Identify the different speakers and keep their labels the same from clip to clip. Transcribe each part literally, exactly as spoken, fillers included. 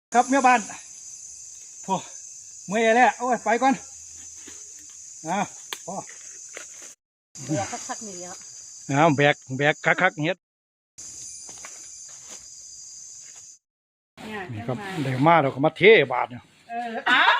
Speaker 1: ครับเมียบ้านพอเมื่อยแล้วโอ้ยไปก่อนอ่าพอ
Speaker 2: เดี๋ยวคักๆนี่แล้ว
Speaker 1: อ้าวแบกแบกคักๆเฮ็ดนี่ครับเดี๋ยวมาเราก็มาเทบาทเนี่ย
Speaker 2: เอออ้าว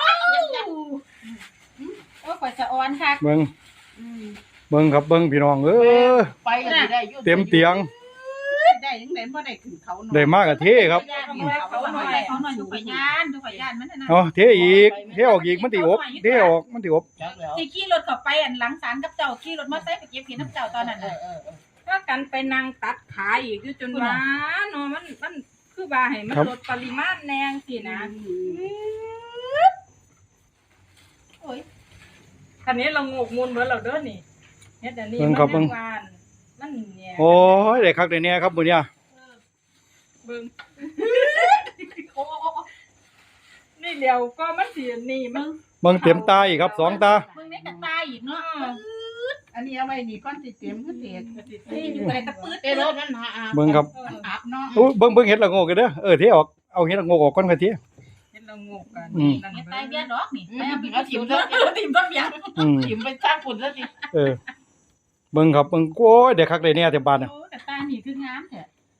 Speaker 2: โอ้ยข่อยสะออนคัก
Speaker 1: เบิ่งเบิ่งครับเบิ่งพี่น้องเออ
Speaker 2: ไปกันได้อยู่
Speaker 1: เต็มเตียง
Speaker 2: ได้ยังไงบ่ได้ขึ้นเขาหน่อย
Speaker 1: ได้มากกับเทครับ
Speaker 2: เขาหน่อยเขาหน่อยทุกข่อยย่านทุกข่อยย่านมันนั่น
Speaker 1: เอาเทอีกเทออกอีกมันติอบเทออกมันติอบ
Speaker 2: ที่ขี่รถเข้าไปอันหลังศาลกับเจ้าขี่รถมอเตอร์ไซค์ไปเก็บเห็ดน้ำเจ้าตอนนั้นน่ะ
Speaker 3: ถ้ากันไปนั่งตัดขาอีกอยู่จนว่าเนาะมันมันคือว่าให้มันลดปริมาณแนงสินะ
Speaker 2: โอ้ย
Speaker 3: คันนี้เรางกมูลเบิดเราเด้อนี่เฮ็ดอันนี้มันเป็นวานมันเนี่ย
Speaker 1: โอ้ยได้คักได้แน่ครับมื้อเนี้ย
Speaker 3: เบิ่งนี่เดียวก็มันสินี่มัน
Speaker 1: เบิ่งเต็มตาอีกครับสองตา
Speaker 2: มึงได้กระตายอีกเนาะอันนี้เอาไว้นี่ก้อนสิเต็มคือเต็มนี่อยู่ในตะปื้ดเด้อรถมันหา
Speaker 1: เบิ่งครับ
Speaker 2: อาบเนาะ
Speaker 1: อู้เบิ่งเบิ่งเฮ็ดละโงกกันเด้อเออเทออกเอาเฮ็ดละโงกออกก่อนค่อยเท
Speaker 3: เฮ็ดเรางกกัน
Speaker 1: อืม
Speaker 3: นั่น
Speaker 2: เฮ็ด
Speaker 3: เบิ่
Speaker 2: ตาย
Speaker 3: ง
Speaker 2: เบี้ยดอกนี่ไปเอาไปเอาถิ่มเด้อถิ่มต้นยาง
Speaker 1: อืม
Speaker 2: ถิ่มไปสร้างฝุ่นซะสิ
Speaker 1: เออเบิ่งครับเบิ่งโอ้ยได้คักได้แน่แต่บาดเนี่ย
Speaker 2: โอ้กระตายนี่คืองามแท้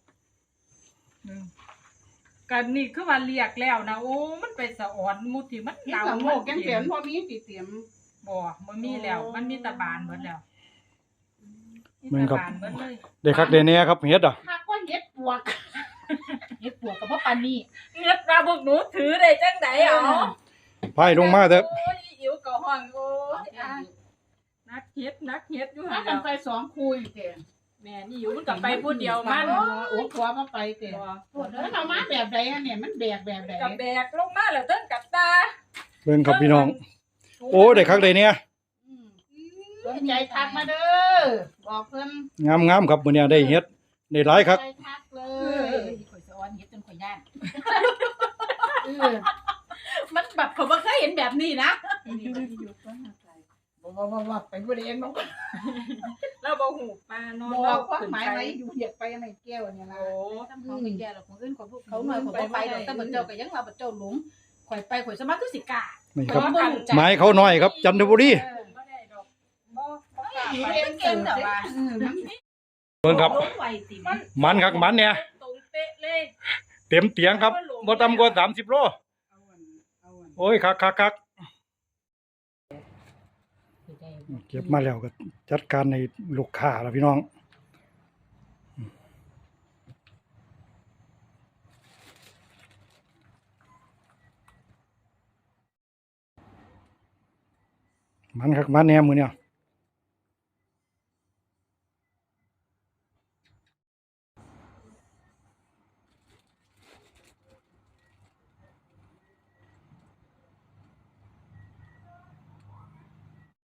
Speaker 3: กันนี่คือว่าเรียกแล้วนะโอ้มันไปสะอ่อนมุดที่มัน
Speaker 2: เฮ็ด
Speaker 3: เดา
Speaker 2: ละโงกยังเสียนพอมีสิเตรียม
Speaker 3: บ่มันมีแล้ว มันมีแตะบานเบิดแล้ว
Speaker 1: เบิ่งครับ
Speaker 3: มีแตะานเบิดเลย
Speaker 1: ได้คักได้แน่ครับเฮ็ดอ่ะ
Speaker 2: ถ้าก็เฮ็ดปวกเฮ็ดปวกกับพ่อปานนี่
Speaker 3: เงือกปลาพวกหนูถือได้จังได๋เอา
Speaker 1: พายลงมาเถอะ
Speaker 3: โอ้ยอิ๋วก็ห้องโอ้ยอ่ะนักเฮ็ดนักเฮ็ดอยู่
Speaker 2: ถ้า
Speaker 3: หั่น
Speaker 2: กั
Speaker 3: แล้
Speaker 2: น
Speaker 3: ว
Speaker 2: ไปสองคุยเด้
Speaker 3: แม่นี่อยู่มันก็ไปผู้เดียวมัน
Speaker 2: โอ้ผัวมาไปเด้
Speaker 3: บ่
Speaker 2: โอ้เด้อเอามาแบบใดอันเนี่ยมันแบกแบบใด
Speaker 3: กับแบกลงมาแล้วเทิงกับตา
Speaker 1: เบิ่งครับพี่น้องโอ้ได้คักได้แน่
Speaker 2: อืมสนใจทักมาเด้อบอกเพิ่น
Speaker 1: งามๆครับมื้อเนี้ยได้เฮ็ดได้หลายคัก
Speaker 2: ใจทักเล
Speaker 3: เอย อ
Speaker 2: ข่อยสะออนเฮ็ดจนข่อยย่านเออมันแบบเขาบ่เคยเห็นแบบนี้นะบ่บ่บ่บ่ไปบ่ได้เองบ่
Speaker 3: แล้วบ่หูปลาเนาะ
Speaker 2: บ่ความหมายไว้อยู่เหยียดไปอันไหนแก้วเนี่ยล่ะ
Speaker 3: โอ้
Speaker 2: เขาไม่แก่หรอกคนอื่นเขาเขาหน่อยเขาบ่ไปดอกแต่เหมือนเจ้าก็ยังว่าบ่เจ้าหลงข่อยไปข่อยสมาคือสิกล้า
Speaker 1: นี่ครับหมายเขาน้อยครับ จันทบุรี
Speaker 3: บ่ได้ดอกบ่บ่กล้า
Speaker 2: อยู่
Speaker 3: ไป
Speaker 2: เรียนเก่งแต่ว่าเออมัน
Speaker 1: เบิ่งครับ
Speaker 2: ลงไวติมัน
Speaker 1: มันคักมันเนี่ย
Speaker 3: ตรงเป๊ะเลย
Speaker 1: เต็มเตียงครับบ่ต่ำกว่าสามสิบโล
Speaker 2: เอาอันเอาอัน
Speaker 1: โอ้ยคักคักคักเก็บมาแล้วก็จัดการในลูกค้าแล้วพี่น้องมันคักมันแหน่มื้อเนี่ย